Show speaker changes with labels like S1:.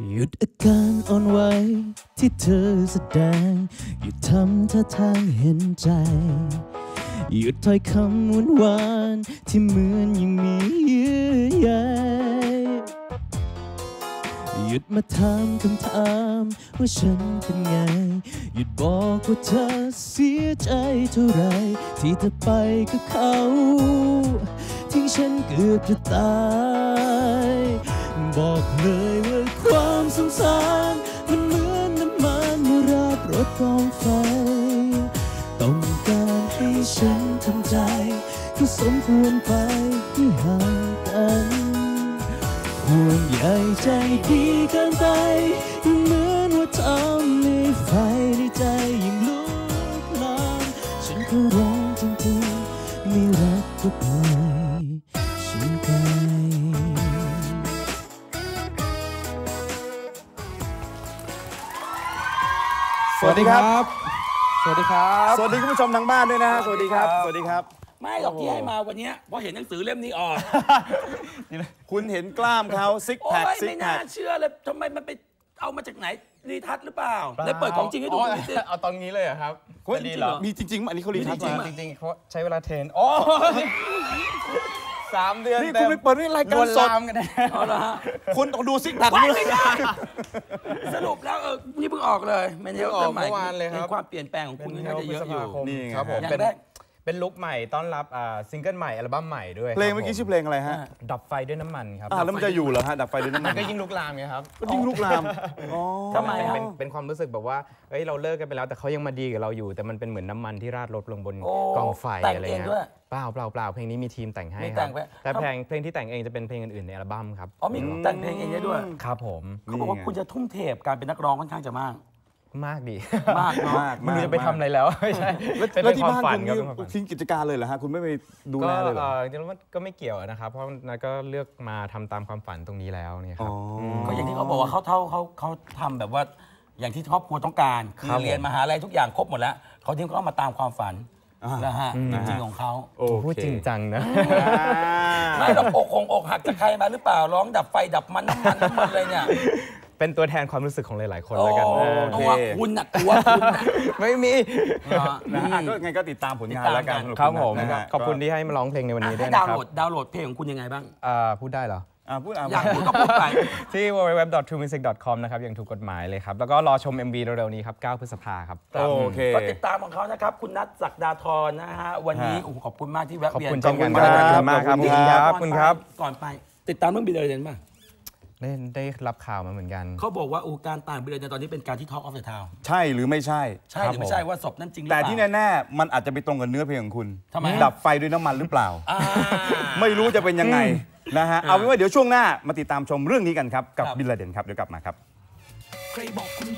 S1: หยุดอาการอ่อนไหวที่เธอแสดงหยุดทำท่าทางเห็นใจหยุดถ้อยคำหวานๆที่เหมือนยังมีเยื่อใยหยุดมาถามคำถามว่าฉันเป็นไงหยุดบอกว่าเธอเสียใจเท่าไรที่เธอไปกับเขาทิ้งฉันเกือบจะตายบอกเลยว่าความสงสารมันเหมือนน้ำมันเมื่อราดรถกองไฟต้องการให้ฉันทำใจก็สมควรไปที่ห่างกันห่วงใยใจดีเกินไปเหมือนว่าทำให้ไฟในใจยิ่งลุกลามฉันก็ร้องจริงๆไม่รักก็ปล่อยฉันไป
S2: สวัสดีครับสวัสดีครับ
S3: สวัสดีคุณผู้ชมทางบ้านด้วยนะฮะสวัสดีครับสวัสดีครับ
S2: ไม่หรอกที่ให้มาวันนี้เพราะเห็นหนังสือเล่มนี้ออก
S3: คุณเห็นกล้ามเขาซิก
S2: โอ้
S3: แพค
S2: ย
S3: ซิก
S2: ไม่
S3: แพ
S2: น่า
S3: ค
S2: เชื่อเลยทำไมมันไปเอามาจากไหนรีทัชหรือเปล่าได้เปิดของจริงให้ดูหน่อยสิ
S4: เอาตอนนี้เลยเหรอครับ
S3: จะดีเหรอมีจริงๆอันนี้เขารีทัชมา
S4: จริงๆเขาใช้เวลาเทรนโอ้3 เดือน
S3: นี่
S4: เต็
S3: คุณ
S4: ม
S3: ไปเปิดนี่รายการสด
S4: ลวนลามกันนะ
S2: เอาละฮะ
S3: คุณต้องดูซิกแพค
S2: ไม่ได้สรุปแล้วนี่เพิ่งออกเลยแมนเทล
S4: ออกเมื่อวานเลยครับ
S2: ความเปลี่ยนแปลงของคุณน่าจะเยอะอยู่
S3: นี่
S4: ครับผม
S2: อย่าง
S4: เป็น
S2: แรก
S4: เป็นลุคใหม่ต้อนรับซิงเกิลใหม่อัลบั้มใหม่ด้วย
S3: เพลงเมื่อกี้ชื่อเพลงอะไรฮะ
S4: ดับไฟด้วยน้ำมันครับ
S3: แล้วมันจะอยู่เหรอฮะดับไฟด้วยน้ำมั
S4: มัน นก็ยิ่งลุกลามไงครับ
S3: ก็ยิ่งลุกลามอ๋อ
S2: ทำไมฮะ
S4: เป็นความรู้สึกแบบว่าเฮ้ยเราเลิกกันไปแล้วแต่เขายังมาดีกับเราอยู่ แต่มันเป็นเหมือนน้ำมันที่ราดรถลงบน
S2: โอ้
S4: กองไฟ
S2: แต่ง
S4: อะไร
S2: เอง
S4: เงี้ย
S2: ด้วย
S4: เปล่าเพลงนี้มีทีมแต่งให้
S2: มี
S4: ค
S2: แต่
S4: รับ
S2: งไว้
S4: แต่เพลงที่แต่งเองจะเป็นเพลงอื่นๆในอัลบั้มครับ
S2: อ๋อมีแต่งเพลงเองได้ด้วย
S4: ครับผม
S2: เขาบอกว่าคุณจะทุ่มเทการเป็นนักร้องค่อนข้างจะมาก
S4: มากดี
S2: มากเนาะ
S4: ไม่รู้จะไปทำอะไรแล้วไม่ใช่
S3: แล้วที่บ้าน
S4: ฝัน
S3: คุณ
S4: ครับ
S3: นี่
S4: เป็นความฝัน
S3: ทิ้งกิจการเลยเหรอฮะคุณไม่ไปดู
S4: ก็
S3: แลเลยเหรอ
S4: จริงๆแล้วมันก็ไม่เกี่ยวนะครับ เพราะนัทก็เลือกมาทำตามความฝันตรงนี้แล้วเนี่ยครับ
S2: ก็อย่างที่เขาบอกว่าเขาทำแบบว่าอย่างที่ครอบครัวต้องการคือ
S4: ครับผม
S2: เรียนมหาลัยทุกอย่างครบหมดแล้วเขาทิ้งเขามาตามความฝันนะฮะจริงๆของเขา
S3: โอเค
S4: พูดจริงจังนะ
S2: ไม่หรอกอกหักจากใครมาหรือเปล่าร้องดับไฟดับมันน้ำมันเลยเนี่ย
S4: เป็นตัวแทนความรู้สึกของหลายๆคนแล้วกัน
S2: ตัวคุณน่ะตัวคุณน่ะ
S4: ไม่มี
S3: นะฮะก็ไงก็ติดตามผลงานแล้วกัน
S4: ครับผม
S3: นะฮะ
S4: ขอบคุณที่ให้มาร้องเพลงในวันนี้ด้วย
S2: ให้
S4: นะ
S2: ดาวน์
S4: ครั
S2: โหล
S4: บ
S2: ดดาวน์โหลดเพลงของคุณยังไงบ้าง
S4: พูดได้เหรอ
S3: พูด
S2: อยากพูดก็พูดไป
S4: ที่ www.truemusic.com นะครับอย่างถูกกฎหมายเลยครับ แล้วก็รอชม MV เร็วๆนี้ครับ 9 พฤษภาครับ
S3: โอเค
S2: ก็ติดตามของเขานะครับคุณนัทศักดาธรนะฮะวันนี้โอ้โหขอบคุณมากที่แวะ
S4: ขอบ
S2: เวียน
S4: คุณเช่นกัน
S3: ขอบคุณ
S4: ครับ
S3: ครับ
S4: ขอบคุณมากครับ
S3: ขอบคุณครับ
S4: ขอบคุณครับ
S2: ก่อนไปติดตามเรื่องบิลเลอร์เดนป่ะ
S4: ได้รับข่าวมาเหมือนกัน
S2: เขาบอกว่าการต่างบิลเลอร์เดนตอนนี้เป็นการที่ Talk of the Town
S3: ใช่หรือไม่ใช่
S2: ใช่หรือไม่ใช่ว่าศพนั้นจริงหรือเป
S3: แต่
S2: ล่า
S3: ที่แน่ๆมันอาจจะไปตรงกับเนื้อเพลงของคุณ
S2: ทำไม
S3: ดับไฟด้วยน้ำมันหรือเปล่า
S2: อ่า
S3: ไม่รู้จะเป็นยังไงนะฮะเอาเป็นว่าเดี๋ยวช่วงหน้ามาติดตามชมเรื่องนี้กันครับกับบิลลาเดนครับเดี๋ยวกลับมาครับ
S2: ใครบอกคุณ